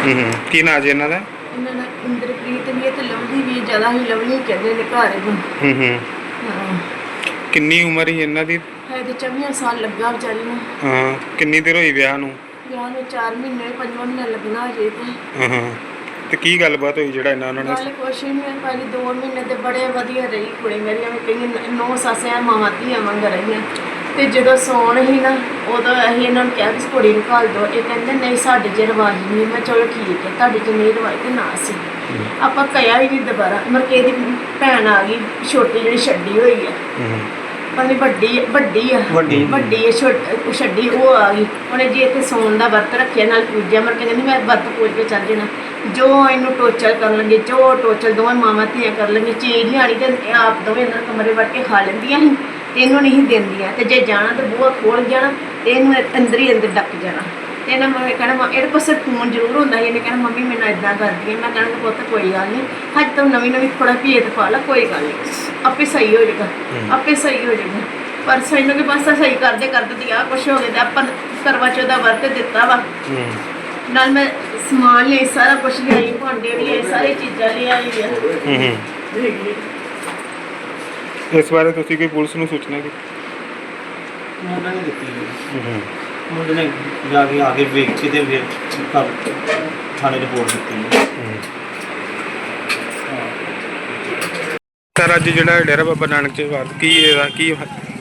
ਕੀ ਨਾਂ ਜੀ ਇਹਨਾਂ ਦਾ? ਇਹਨਾਂ ਦਾ ਇੰਦਰਪ੍ਰੀਤ ਵੀ ਹੈ ਤੇ ਲਵਲੀ ਵੀ, ਜ਼ਿਆਦਾ ਹੀ ਲਵਲੀ ਕਹਿੰਦੇ ਨੇ ਘਰ ਨੂੰ। ਹਾਂ। ਕਿੰਨੀ ਉਮਰ ਹੀ ਇਹਨਾਂ ਦੀ? ਹੈ ਤੇ 24 ਸਾਲ ਲੱਗਾ ਵਿਚਾਰੀ ਨੂੰ। ਹਾਂ। ਕਿੰਨੀ ਦੇਰ ਹੋਈ ਵਿਆਹ ਨੂੰ? ਵਿਆਹ ਨੂੰ 4 ਮਹੀਨੇ 5ਵਾਂ ਮਹੀਨਾ ਲੱਗਣਾ ਅਜੇ ਤੇ। ਤੇ ਕੀ ਗੱਲਬਾਤ ਹੋਈ ਜਿਹੜਾ ਇਹਨਾਂ ਨੇ? ਗੱਲ ਕੁਛ ਨਹੀਂ ਹੈ, ਪਹਿਲੇ 2 ਮਹੀਨੇ ਤੇ ਬੜੇ ਵਧੀਆ ਰਹੀ ਕੁੜੀ ਮੇਰੀ, ਐਵੇਂ ਕਈ 9 ਸੱਸਿਆਂ ਮਾਵਾਂ ਧੀਆਂ ਵਾਂਗ ਰਹੀਆਂ। ਤੇ ਜਦੋਂ ਸੌਣ ਹੀ ਨਾ, ਉਦੋਂ ਅਸੀਂ ਇਹਨਾਂ ਨੂੰ ਕਿਹਾ ਵੀ ਕੁੜੀ ਨੂੰ ਘੱਲ ਦਿਓ। ਇਹ ਕਹਿੰਦੇ ਨਹੀਂ ਸਾਡੇ 'ਚ ਰਿਵਾਜ਼ ਨਹੀਂ। ਮੈਂ ਚਲੋ ਠੀਕ ਹੈ, ਤੁਹਾਡੇ 'ਚ ਨਹੀਂ ਰਿਵਾਜ਼ ਤੇ ਨਾ ਸੀ। ਆਪਾਂ ਕਹਿਆ ਹੀ ਨਹੀਂ ਦੁਬਾਰਾ। ਮਤਲਬ ਇਹਦੀ ਭੈਣ ਆ ਗਈ ਛੋਟੀ ਜਿਹੜੀ ਛੱਡੀ ਹੋਈ ਆ, ਭਾਵੇਂ ਵੱਡੀ ਹੈ ਛੱਡੀ, ਉਹ ਆ ਗਈ। ਉਹਨੇ ਜੀ ਇੱਥੇ ਸੌਣ ਦਾ ਵਰਤ ਰੱਖਿਆ, ਨਾਲ ਪੂਜਿਆ। ਮਰ ਕੇ ਕਹਿੰਦੀ ਮੈਂ ਵਰਤ ਪੂਜ ਕੇ ਚੱਲ ਜਾਣਾ। ਜੋ ਇਹਨੂੰ ਟੋਚਰ ਕਰਨ ਲੱਗੇ, ਜੋ ਟੋਚਰ ਦੋਵੇਂ ਮਾਵਾਂ ਧੀਆਂ ਕਰ ਲੈਂਦੀਆਂ। ਚੀਜ਼ ਨਹੀਂ ਆਣੀ ਤੇ ਆਪ ਦੋਵੇਂ ਅੰਦਰ ਕਮਰੇ ਵੜ ਕੇ ਖਾ ਲੈਂਦੀਆਂ ਸੀ ਤੇ ਇਹਨੂੰ ਨਹੀਂ ਦਿੰਦੀਆਂ। ਤੇ ਜੇ ਜਾਣਾ ਤੇ ਬੂਹਾ ਖੋਲ ਜਾਣਾ ਤੇ ਇਹਨੂੰ ਅੰਦਰ ਹੀ ਅੰਦਰ ਡੱਕ ਜਾਣਾ। ਤੇ ਇਹਨਾਂ ਮੈਂ ਕਹਿਣਾ ਇਹਦੇ ਪਾਸੇ ਫੋਨ ਜ਼ਰੂਰ ਹੁੰਦਾ ਸੀ। ਇਹਨੇ ਕਹਿਣਾ ਮੰਮੀ ਮੈਨੂੰ ਇੱਦਾਂ ਕਰਦੀ ਹੈ। ਮੈਂ ਕਹਿਣਾ ਪੁੱਤ ਕੋਈ ਗੱਲ ਨਹੀਂ, ਹਜੇ ਤਾਂ ਨਵੀਂ ਥੋੜਾ ਭੇਦ ਪਾ ਲਾ, ਕੋਈ ਗੱਲ ਨਹੀਂ, ਆਪੇ ਸਹੀ ਹੋ ਜਾਏਗਾ, ਆਪੇ ਸਹੀ ਹੋ ਜਾਏਗਾ। ਪਰ ਸਾਨੂੰ ਕਿ ਬਸ ਸਹੀ ਕਰਦੇ ਦੀ ਆ ਕੁਛ ਹੋ ਗਿਆ। ਤੇ ਆਪਾਂ ਕਰਵਾ ਚੌਥ ਦਾ ਵਰਤ ਦਿੱਤਾ ਵਾ, ਨਾਲ ਮੈਂ ਸਮਾਨ ਲਿਆ, ਸਾਰਾ ਕੁਛ ਲਿਆਈ, ਭਾਂਡੇ ਵੀ ਲਿਆਏ, ਸਾਰੀ ਚੀਜ਼ਾਂ ਲਿਆਈ ਆ। ਇਸ ਬਾਰੇ ਤੁਸੀਂ ਕੋਈ ਪੁਲਿਸ ਨੂੰ ਸੂਚਨਾ ਕੀਤੀ? ਉਹਨਾਂ ਨੇ ਦਿੱਤੀ ਮੁੰਡੇ ਨੇ ਜਾ ਕੇ ਆ ਕੇ ਵੇਖ ਕੇ ਤੇ ਫਿਰ ਥਾਣੇ ਰਿਪੋਰਟ ਦਿੱਤੀ। ਸਰ ਅੱਜ ਜਿਹੜਾ ਡੇਰਾ ਬਾਬਾ ਨਾਨਕ ਚ ਵਾਰ ਕੀ ਇਹਦਾ ਕੀ?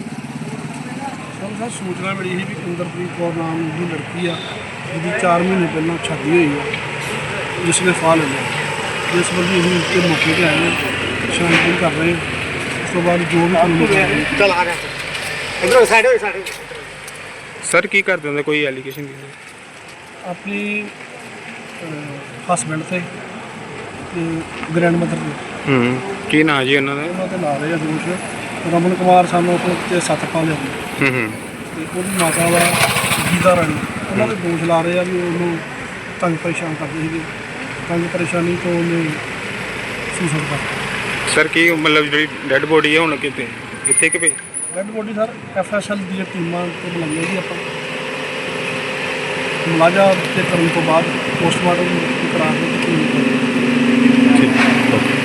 ਸਰ ਸੂਚਨਾ ਮਿਲੀ ਸੀ ਵੀ ਇੰਦਰਪ੍ਰੀਤ ਕੌਰ ਨਾਮ ਦੀ ਲੜਕੀ ਆ, ਜਿਹਦੀ 4 ਮਹੀਨੇ ਪਹਿਲਾਂ ਸ਼ਾਦੀ ਹੋਈ ਆ, ਜਿਸ ਨੇ ਫਾਹ ਲੈ ਲਿਆ। ਜਿਸ ਬੰਦੀ ਅਸੀਂ ਉੱਤੇ ਮੌਕੇ 'ਤੇ ਆਏ ਹਾਂ, ਛਾਣਬੀਣ ਕਰ ਰਹੇ ਹਾਂ। ਉਸ ਤੋਂ ਬਾਅਦ ਜੋ ਵੀ ਚਲ ਆ ਗਿਆ ਇਧਰੋਂ ਸਾਈਡ ਹੋਈ ਸਾਡੇ। ਸਰ ਕੀ ਕਰਦੇ ਹੁੰਦੇ, ਕੋਈ ਐਲੀਗੇਸ਼ਨ? ਆਪਣੀ ਹਸਬੈਂਡ ਤੇ ਗ੍ਰੈਂਡ ਮਦਰ ਦੇ ਕੀ ਨਾਂ ਜੀ ਉਹਨਾਂ ਦਾ? ਉਹਨਾਂ 'ਤੇ ਲਾ ਰਹੇ ਆ ਦੋਸ਼। ਰਮਨ ਕੁਮਾਰ ਸਾਨੂੰ ਉੱਤੇ 7 ਪਾ ਲਿਆ ਤੇ ਉਹਦੀ ਮਾਤਾ ਵਾ ਗੀਤਾ ਰਾਣੀ, ਉਹਨਾਂ ਦੇ ਦੋਸ਼ ਲਾ ਰਹੇ ਆ ਵੀ ਉਹਨੂੰ ਤੰਗ ਪਰੇਸ਼ਾਨ ਕਰਦੇ ਸੀਗੇ। ਤੰਗ ਪਰੇਸ਼ਾਨੀ ਤੋਂ ਉਹਨੇ ਸੁਸਾਈਡ ਕਰ ਦਿੱਤਾ। ਸਰ ਕੀ ਮਤਲਬ ਜਿਹੜੀ ਡੈੱਡ ਬੋਡੀ ਹੈ ਹੁਣ ਕਿੱਥੇ ਕਿ ਪਈ? ਡੈੱਡ ਬੋਡੀ ਸਰ FSL ਦੀਆਂ ਟੀਮਾਂ ਤੋਂ ਬੁਲਾਈਆਂ ਜੀ ਆਪਾਂ, ਮੁਲਾਜ਼ਾ ਤੇ ਕਰਨ ਤੋਂ ਬਾਅਦ ਪੋਸਟਮਾਰਟਮ ਕਰਾ ਕੇ ਠੀਕ।